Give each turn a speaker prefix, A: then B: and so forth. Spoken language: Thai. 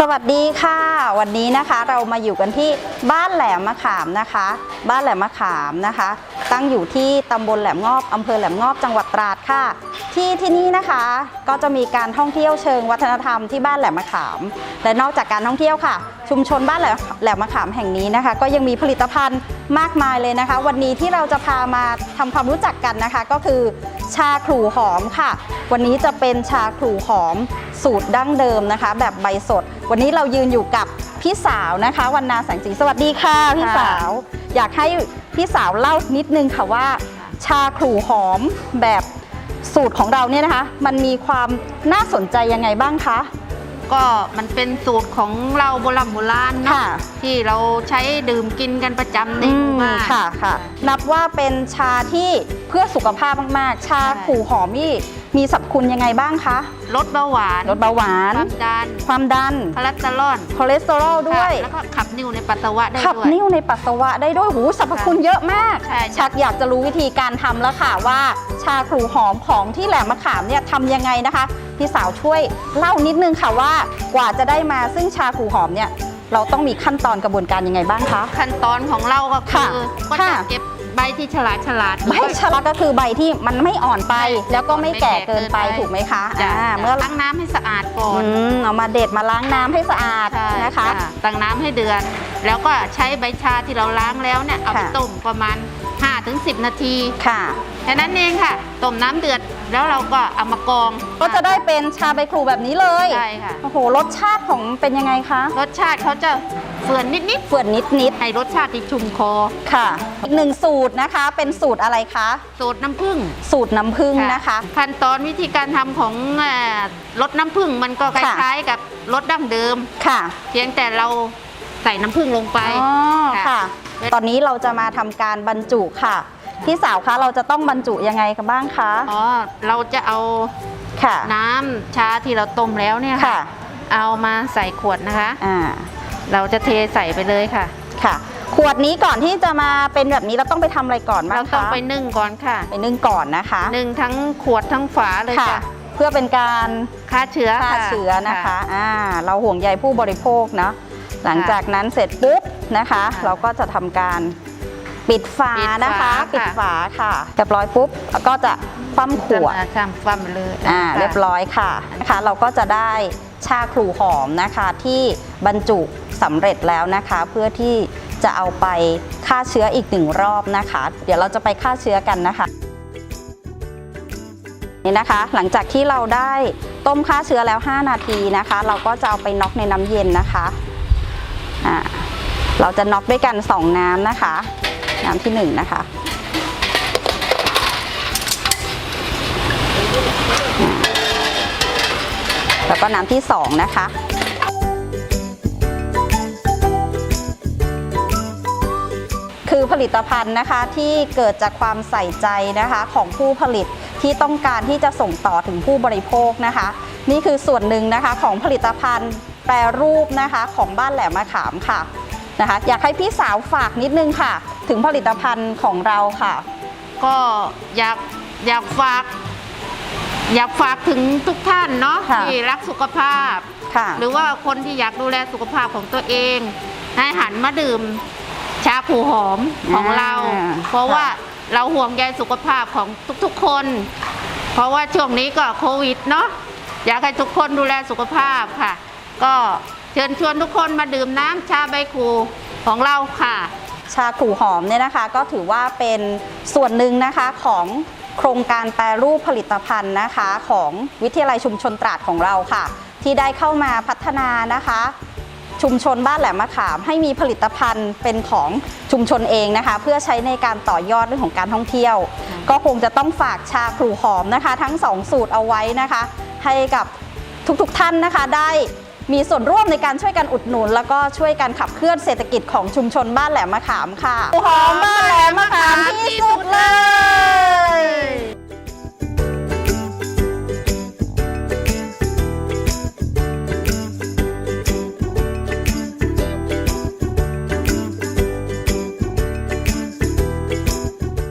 A: สวัสดีค่ะวันนี้นะคะเรามาอยู่กันที่บ้านแหลมมะขามนะคะบ้านแหลมมะขามนะคะตั้งอยู่ที่ตำบลแหลมงอบอำเภอแหลมงอบจังหวัดตราดค่ะที่นี่นะคะก็จะมีการท่องเที่ยวเชิงวัฒนธรรมที่บ้านแหลมมะขามและนอกจากการท่องเที่ยวค่ะชุมชนบ้านแหลมมะขามแห่งนี้นะคะก็ยังมีผลิตภัณฑ์มากมายเลยนะคะวันนี้ที่เราจะพามาทำความรู้จักกันนะคะก็คือชาขลู่หอมค่ะวันนี้จะเป็นชาขลู่หอมสูตรดั้งเดิมนะคะแบบใบสดวันนี้เรายืนอยู่กับพี่สาวนะคะวรรณาแสงสีสวัสดีค่ะพี่สาวอยากให้พี่สาวเล่านิดนึงค่ะว่าชาขลู่หอมแบบสูตรของเราเนี่ยนะคะมันมีความน่าสนใจยังไงบ้างคะ
B: ก็มันเป็นสูตรของเราโบราณเนาะที่เราใช้ดื่มกินกันประจำในหมู่บ้าน
A: ค่ะนับว่าเป็นชาที่เพื่อสุขภาพมากๆชาขลู่หอมนี่มีสรรพคุณยังไงบ้างคะ
B: ลดเบาหวาน
A: ความดัน
B: คอเลสเตอรอล
A: ด้วย
B: แล้วก็ขับนิ่วในปัสสาวะได้ด้วย
A: ขับนิ่วในปัสสาวะได้ด้วยหูสรรพคุณเยอะมากชักอยากจะรู้วิธีการทำแล้วค่ะว่าชาขลู่หอมของที่แหลมมะขามเนี่ยทำยังไงนะคะพี่สาวช่วยเล่านิดนึงค่ะว่ากว่าจะได้มาซึ่งชาขลู่หอมเนี่ยเราต้องมีขั้นตอนกระบวนการยังไงบ้างคะ
B: ขั้นตอนของเราก็คือก็จะเก็บใบที่ฉลาด
A: ใบฉลาดก็คือใบที่มันไม่อ่อนไปแล้วก็ไม่แก่เกินไปถูกไหมคะ
B: เมื่อล้างน้ำให้สะอาดก่อน
A: เอามาเด็ดมาล้างน้ำให้สะอาดนะคะ
B: ตั้งน้ำให้เดือดแล้วก็ใช้ใบชาที่เราล้างแล้วเนี่ยเอาไปต้มประมาณ 5-10 นาที
A: ค่ะ
B: แค่นั้นเองค่ะต้มน้ำเดือดแล้วเราก็เอามากรอง
A: ก็จะได้เป็นชาใบขลู่แบบนี้เลย
B: ใช่ค่ะ
A: โอ้โหรสชาติของเป็นยังไงคะ
B: รสชาติเขาจะเฟื่อนนิดให้รสชาติที่ชุ่มคอ
A: ค่ะอีกหนึ่งสูตรนะคะเป็นสูตรอะไรคะ
B: สูตรน้ำผึ้ง
A: นะคะ
B: ขั้นตอนวิธีการทำของรสน้ำผึ้งมันก็คล้ายๆกับรสดั้งเดิม
A: ค่ะ
B: เพียงแต่เราใส่น้ำผึ้งลงไป
A: ค่ะตอนนี้เราจะมาทำการบรรจุค่ะพี่สาวคะเราจะต้องบรรจุยังไงกันบ้างคะ
B: เราจะเอาน้ำชาที่เราต้มแล้วเนี่ยค่ะเอามาใส่ขวดนะคะเราจะเทใส่ไปเลยค่ะ
A: ขวดนี้ก่อนที่จะมาเป็นแบบนี้เราต้องไปทำอะไรก่อนบ้างคะ
B: เราต้องไปนึ่งก่อนค่ะ
A: ไปนึ่งก่อนนะคะ
B: นึ่งทั้งขวดทั้งฝาเลยค่ะ
A: เพื่อเป็นการ
B: ฆ่าเชื้อ
A: นะคะเราห่วงใยผู้บริโภคเนาะหลังจากนั้นเสร็จปุ๊บนะคะเราก็จะทำการปิดฝานะคะปิดฝาค่ะเรียบร้อยปุ๊บแล้วก็จะคว่ำขวด
B: คว่ำเลย
A: เรียบร้อยค่ะนะคะเราก็จะได้ชาขลู่หอมนะคะที่บรรจุสำเร็จแล้วนะคะเพื่อที่จะเอาไปฆ่าเชื้ออีก1รอบนะคะเดี๋ยวเราจะไปฆ่าเชื้อกันนะคะนี่นะคะหลังจากที่เราได้ต้มฆ่าเชื้อแล้ว5นาทีนะคะเราก็จะเอาไปน็อกในน้ำเย็นนะคะเราจะน็อกด้วยกัน2น้ำนะคะน้ำที่1นะคะแล้วก็น้ำที่2นะคะคือผลิตภัณฑ์นะคะที่เกิดจากความใส่ใจนะคะของผู้ผลิตที่ต้องการที่จะส่งต่อถึงผู้บริโภคนะคะนี่คือส่วนหนึ่งนะคะของผลิตภัณฑ์แปรรูปนะคะของบ้านแหลมมะขามค่ะนะคะอยากให้พี่สาวฝากนิดนึงค่ะถึงผลิตภัณฑ์ของเราค่ะ
B: ก็อยากฝากถึงทุกท่านเนาะที่รักสุขภาพหรือว่าคนที่อยากดูแลสุขภาพของตัวเองให้หันมาดื่มชาขลู่หอมของเราเพราะว่าเราห่วงใยสุขภาพของทุกๆคนเพราะว่าช่วงนี้ก็โควิดเนาะอยากให้ทุกคนดูแลสุขภาพค่ะก็เชิญชวนทุกคนมาดื่มน้ำชาใบขลู่ของเราค่ะ
A: ชาขลู่หอมเนี่ยนะคะก็ถือว่าเป็นส่วนหนึ่งนะคะของโครงการแปรรูปผลิตภัณฑ์นะคะของวิทยาลัยชุมชนตราดของเราค่ะที่ได้เข้ามาพัฒนานะคะชุมชนบ้านแหลมมะขามให้มีผลิตภัณฑ์เป็นของชุมชนเองนะคะเพื่อใช้ในการต่อยอดเรื่องของการท่องเที่ยวก็คงจะต้องฝากชาขลู่หอมนะคะทั้ง2สูตรเอาไว้นะคะให้กับทุกท่านนะคะได้มีส่วนร่วมในการช่วยกันอุดหนุนแล้วก็ช่วยกันขับเคลื่อนเศรษฐกิจของชุมชนบ้านแหลมมะขามค่ะหอมบ้านแหลมมะขามที่